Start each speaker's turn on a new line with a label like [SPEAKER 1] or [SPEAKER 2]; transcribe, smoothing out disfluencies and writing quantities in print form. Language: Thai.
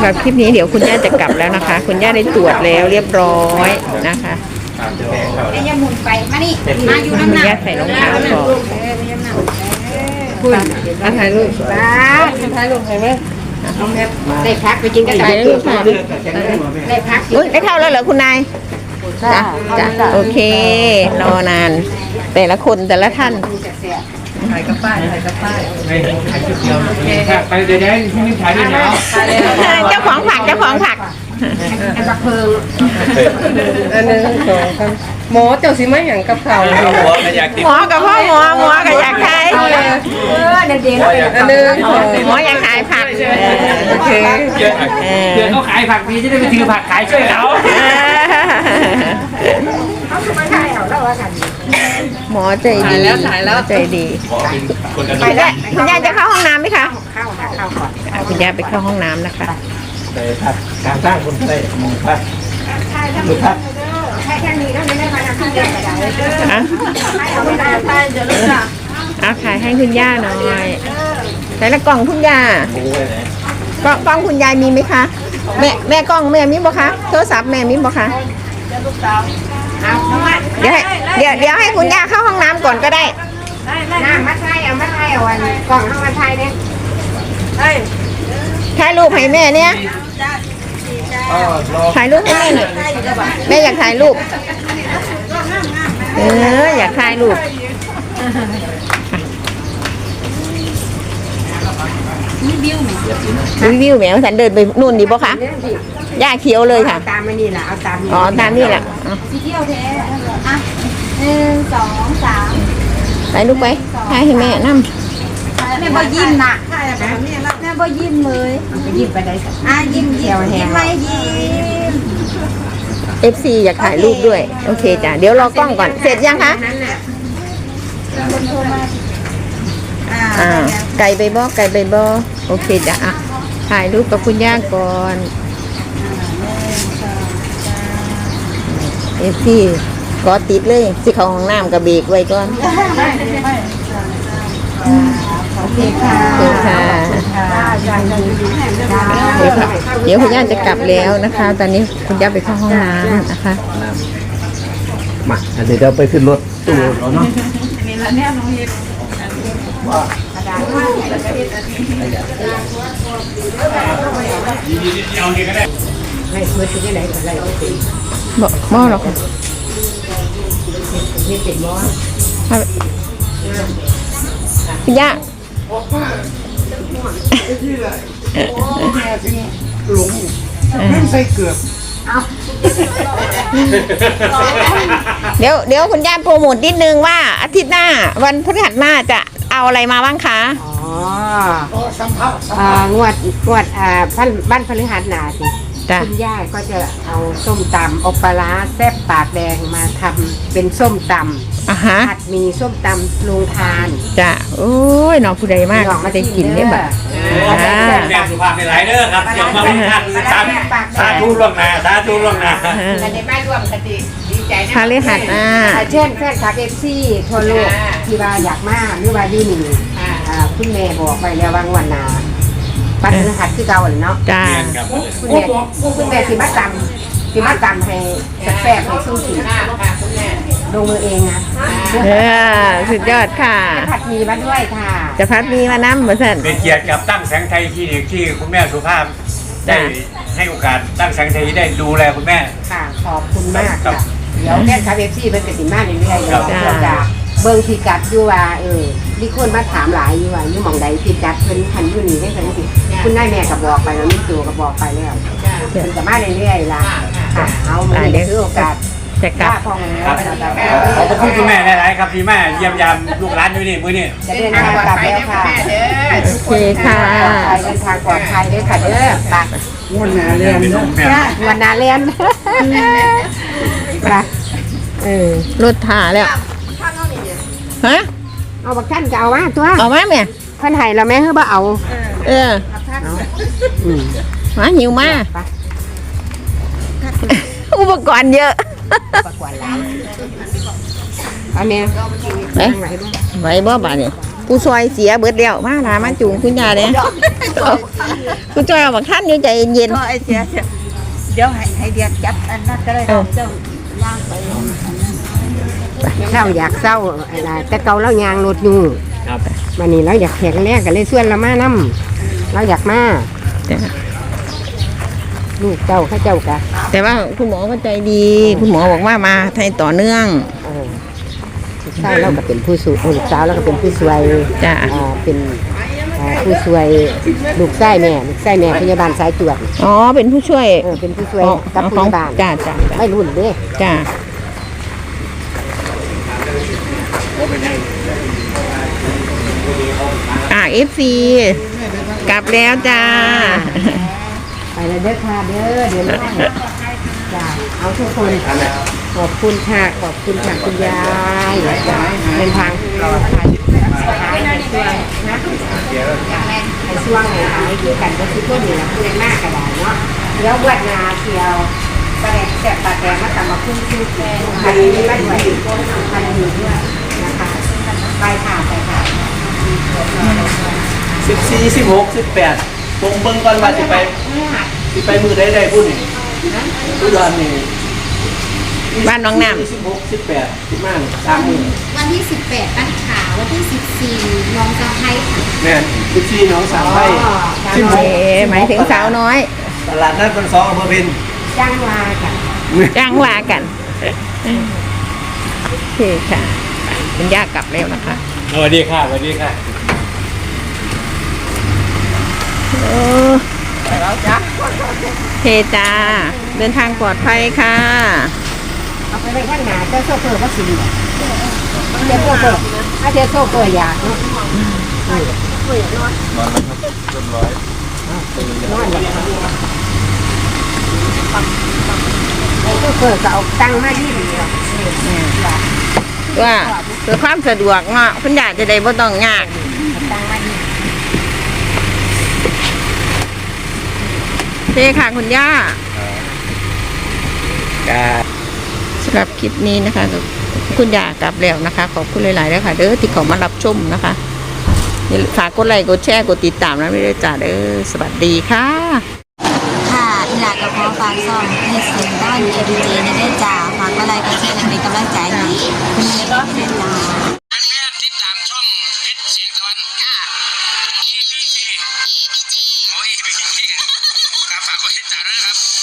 [SPEAKER 1] รับคลิปนี้เดี๋ยวคุณย่าจะกลับแล้วนะคะ คุณย่าได้ตรวจแล้วเรียบร้อยนะคะ
[SPEAKER 2] ไอ้ยาหมุนไปมานี่มาอยู่น้ำ
[SPEAKER 1] คุณ
[SPEAKER 2] หนั
[SPEAKER 1] ย่าก ใส่รองเท้าก่อน
[SPEAKER 2] คุณมาถ่ายรูปป้าถ่ายรูปใครไหมได้พักไปกินกันได้รูปได้พัก
[SPEAKER 1] อุ้ยได้เข้าแล้วเหรอคุณนายจ้ะจ้ะโอเครอนาน แต่ละคนแต่ละท่าน
[SPEAKER 3] ถ่ายกับป้ายถ่ายชุดเดียวไปเดี๋ยวที่นี่ถ่ายด้วยนะ
[SPEAKER 1] เจ้าของผักเจ้าของผัก
[SPEAKER 2] ไอ้บักเพิง
[SPEAKER 4] อันนึงสองครับหมอเจ้าสิมาอย่างกับเขา
[SPEAKER 1] หมอกับพ่อหมอกับอยากขาย
[SPEAKER 2] เด็ก
[SPEAKER 4] อันนึงสอง
[SPEAKER 1] หมออยากขายผักโอเค
[SPEAKER 3] เพื่อนเขาขายผักดีจะได้ไปถือผักขายช่วยเขา
[SPEAKER 2] เขาคือมาถ่ายเอาแล้วว่ากัน
[SPEAKER 1] หมอใจดีใจดีคุณย่าจะเข้าห้องน้ำไหมคะ
[SPEAKER 2] เข้าค่ะเข้าก่อน
[SPEAKER 1] คุณย่าไปเข้าห้องน้ำนะคะ
[SPEAKER 3] ไปผักการสร้างคนได้มองผัก
[SPEAKER 2] ใช่ถ้ามีใช่แค่นี้ก็ไม่ได้มาทำที่เดียวกันได้
[SPEAKER 1] อ่ะ
[SPEAKER 2] ให้เอาไม่ได้ไปเดี๋ยวรู้จัก
[SPEAKER 1] เอาขายให้คุณย่าหน่อยแต่ละกล่องคุณย่า
[SPEAKER 3] ปูไปไหน
[SPEAKER 1] กล้องคุณยายมีไหมคะแม่กล้องแม่มีบ่คะโทรศัพท์แม่มีบ่คะ
[SPEAKER 2] เอาน้ำมัน
[SPEAKER 1] เดี๋ยวให้คุณย่าเข้าห้องน้ำก่อนก็ได้
[SPEAKER 2] น้ำมาไทยเอามาไทยเอาวันกล่องเข้ามาไทยเนี่ย
[SPEAKER 1] ถ่ายรูปให้แม่เนี่ย
[SPEAKER 3] อ๋อรอ
[SPEAKER 1] ถ่ายรูปให้แม่หน่อยแม่อยากถ่ายรูปอยากถ่ายรูปรีวิวแหมฉันเดินไปนู่นดีป่ะคะย่าเขียวเลยค่ะ
[SPEAKER 2] ตามมานี่แหละเอาตาม
[SPEAKER 1] อ๋อตามนี่แหละ
[SPEAKER 2] เที่ยวแท้อ่ะ1 2 3
[SPEAKER 1] ถ่ายรูปไปถ่ายให้แม่นั่ง
[SPEAKER 2] แม่บ่ยิ้มน่ะแม่บ่ยิ้มเลยยิ้มไปได้สักยิ้มยิ้มไม่ยิ้ม
[SPEAKER 1] FC อยากถ่ายรูปด้วยโอเคจ้ะเดี๋ยวรอกล้องก่อนเสร็จยังคะไก่ใบบ่โอเคจ้ะอ่ะถ่ายรูปกับคุณย่าก่อนFC ก็ติดเลยสิเข้าห้องน้ำกับเบรกไว้ก่อน
[SPEAKER 2] โอเคค่ะ
[SPEAKER 1] โอเคค่ะเดี๋ยวคุณย่าจะกลับแล้วนะคะ ตอนนี้คุณย่าไปเข้าห้องน้ำนะคะ
[SPEAKER 3] มาเดี๋ยวเราไปขึ้นรถตู้แล้วเนาะ
[SPEAKER 2] ให้เพื่อนที่ไหนกันไรก็ติด
[SPEAKER 1] บ่หรอกค่ะ
[SPEAKER 2] นี่ติดม้อ
[SPEAKER 1] คุณย่า
[SPEAKER 3] หลงไม่ใส่เกือบ
[SPEAKER 1] เดี๋ยวคุณย่าโปรโมทนิดนึงว่าอาทิตย์หน้าวันพฤหัสหน้าจะเอาอะไรมาบ้างคะ
[SPEAKER 2] งวดบ้านพฤหัสหนาสิ
[SPEAKER 1] จ้ะ
[SPEAKER 2] คุณย่าก็จะเอาส้มตำอบปลาร้าแซ่บปากแดงมาทำเป็นส้มตำ
[SPEAKER 1] อ่ะฮะ
[SPEAKER 2] ผัดมีส้มตำโรงทาน
[SPEAKER 1] จ้ะโอ้ยน้องผู้ใดมากไม่ได้กินเนี่ยแบบ
[SPEAKER 3] แม่สุภาพในหลายเด้อครับอย่ามาเป็นท่านสาธุล่วงหน้าสาธุล่วงหน้า
[SPEAKER 2] แต่ในบ้านรวมกันดีใจนะ
[SPEAKER 1] พฤหัสหน้า
[SPEAKER 2] เช่นแฟนคลับFCทั่วโลกที่ว่าอยากมาหรือว่าอยู่นี่คุณแม่บอกไปแล้วว่าวันนาปันพฤหัสคือเก่าเนาะ
[SPEAKER 1] จ้า
[SPEAKER 2] คุณแม่สิมาตำให้แซ่บๆให้สู้กินลงมือเองนะ
[SPEAKER 1] สุดยอดค่ะ
[SPEAKER 2] ผัดหมีมาด้วยค่ะ
[SPEAKER 1] จะพัดมีมาน้ำเหมือนกัน
[SPEAKER 3] เป็นเกียรติกับตั้งแสงไทยคลินิกที่คุณแม่สุภาพได้ให้โอกาสตั้งแสงไทยได้ดูแลคุณแม่
[SPEAKER 2] ค่ะขอบคุณมากค่ะเดี๋ยวแฟนคลับFCเป็นติดมาเรื่อยๆเดี๋ยวจะเบิ่งพิกัดอยู่ว่ามีคนมาถามหลายอยู่ว่าอยู่หม่องใดพิกัดเพิ่นคันอยู่นี่ได้เพิ่นสิคุณนายแม่ก็บอกไปแล้วมีตัวก็บอกไปแล้วเพิ่นจะมาเรื่อยๆล่ะค่ะเอามื้อนี้คือโอกาส
[SPEAKER 1] จะกลับ
[SPEAKER 2] พ่อแม่
[SPEAKER 3] ครับขอบคุณคุณแม่หลายๆครับที่แม่เยี่ยมยามลูกหลานอยู่นี่มื้อนี้
[SPEAKER 2] จะเดินทางกลับแล้วค่ะ
[SPEAKER 1] โอเคค่ะ
[SPEAKER 2] เดินทางปลอดภัยด้วยค่ะเด้อไป
[SPEAKER 3] วันนาเรียน
[SPEAKER 2] วันนาเรียนไป
[SPEAKER 1] รถถ่าแล้วฮะ
[SPEAKER 2] เอาบักท่านก็เอาว่าตัว
[SPEAKER 1] เอามาแม่
[SPEAKER 2] เพิ่นให้เราแม่คือบ่เอา
[SPEAKER 1] มาหิวมาอุปกรณ์เยอะ
[SPEAKER 2] ประกวดหลายอันนี้
[SPEAKER 1] ไหวบ่บ่านี่ผู้ซอยเสียเบิดแล้วมาลามาจูงคุณยายเนี่ยคุณจอยเอาบักท่านอยู่ใจเย็น
[SPEAKER 5] ก็ไอ้เสียเดี๋ยวให้เดียดจับอันนั้นก็ได้เจ้าย่างไป
[SPEAKER 2] เศร้าอยากเศร้าอะไรแต่เก่าเรายางรถอยู่
[SPEAKER 3] ครับ
[SPEAKER 2] วันนี้เราอยากแข็งแรงกันเลยส่วนเรามานํเราอยากมา
[SPEAKER 1] จ้ะ
[SPEAKER 2] ลูกเจ้าข้าเจ้ากะ
[SPEAKER 1] แต่ว่าคุณหมอก็ใจดี คุณหมอบอกว่ามาให้ต่อเนื่อง
[SPEAKER 2] ลูกสาวเราก็เป็นผู้สูงลูกสาวเราก็เป็นผู้ช่วย
[SPEAKER 1] จ้ะ
[SPEAKER 2] เป็นผู้ช่วยลูกไส้แม่พยาบาลสายตรวจ
[SPEAKER 1] อ๋อเป็นผู้ช่วย
[SPEAKER 2] เป็นผู้ช่วย
[SPEAKER 1] อ๋อ
[SPEAKER 2] กับพ
[SPEAKER 1] ของ
[SPEAKER 2] ยาบาล
[SPEAKER 1] จ้าจ้าจ้า
[SPEAKER 2] ไม่รุ่นเด้
[SPEAKER 1] จ้าFC กลับแล้วจ้า
[SPEAKER 2] ไปแล้วเด้อค่ะเด้อเดี๋ยวน้องจ้าเอาทุกคนขอบคุณค่ะขอบคุณค่ะคุณยายเดินทางปลอดภัยในช่วงนะในช่วงไหนหายคือกันก็คือต้นนี่แหละคือหน้ากระดาษเนาะแล้ววัดนาเที่ยวประเด็นแสบปากแดงมาตำมาคุ้มคือพันนี้ไม่ไหวพันนี้ด้วยนะคะไปค่ะไปค่ะ
[SPEAKER 6] 14 16 18ผมเบิ่งก่อนว่าสิไปมือใดๆพุ่นนี่อุดรนี่
[SPEAKER 1] บ้านน้องน้
[SPEAKER 6] 16 18 15 3มื้อ
[SPEAKER 7] วันที่ 18 บ้านขาววันที่ 14น้องสะพ้ายค่ะ
[SPEAKER 6] แม่น14น้องสามไผ่
[SPEAKER 1] ำหมายถึงสาวน้อย
[SPEAKER 6] ตลาดนัดคน2อำเภอเพ็ญ
[SPEAKER 2] จ้างวาค่ะ
[SPEAKER 1] จ้างว่ากันโอเคค่ะคุณย่ากลับแล้วนะคะ
[SPEAKER 3] สวัสดีค่ะสวัสดีค่ะ
[SPEAKER 1] โอ้ไปแล้วจ้าเฮจ้าเดินทางปลอดภัยค่ะ
[SPEAKER 2] เอาไปไว้ข้างหน้าเจ้าโซเฟอร์ก็สิเจ้าโซเฟอร์ถ้าเจ้าโซเฟอร์อยากเนาะนอนเลยโซเฟอร์ก็เอาตังค์มาที่เดียว
[SPEAKER 1] ว่าเพื่อความสะดวกเนาะคุณย่าจะได้บ่ต้องยาก
[SPEAKER 2] ตังค์มาที่
[SPEAKER 1] โอเคค่ะคุณย่าสำหรับคลิปนี้นะคะคุณย่ากลับแล้วนะคะ ขอบคุณหลายๆด้วยค่ะเด้อที่เขามารับชมนะคะอย่าลืมฝากกดไลค์กดแชร์กดติดตามนะไม่ได้จ้าเด้อสวัสดีค่ะ
[SPEAKER 7] ค่ะอีหลากระเพาะปลาซ่อมที่เซ็นด้านเอดีเจในได้จ่าฝากอะไรก็แช่และเป็นกำลังใจให้คุณเล็กเซ็นจ่า
[SPEAKER 8] ติดตามช่องเพชรเสียงตะวันEBG โอ้ย EBG ครับฝากกดติดตามด้วยนะครับ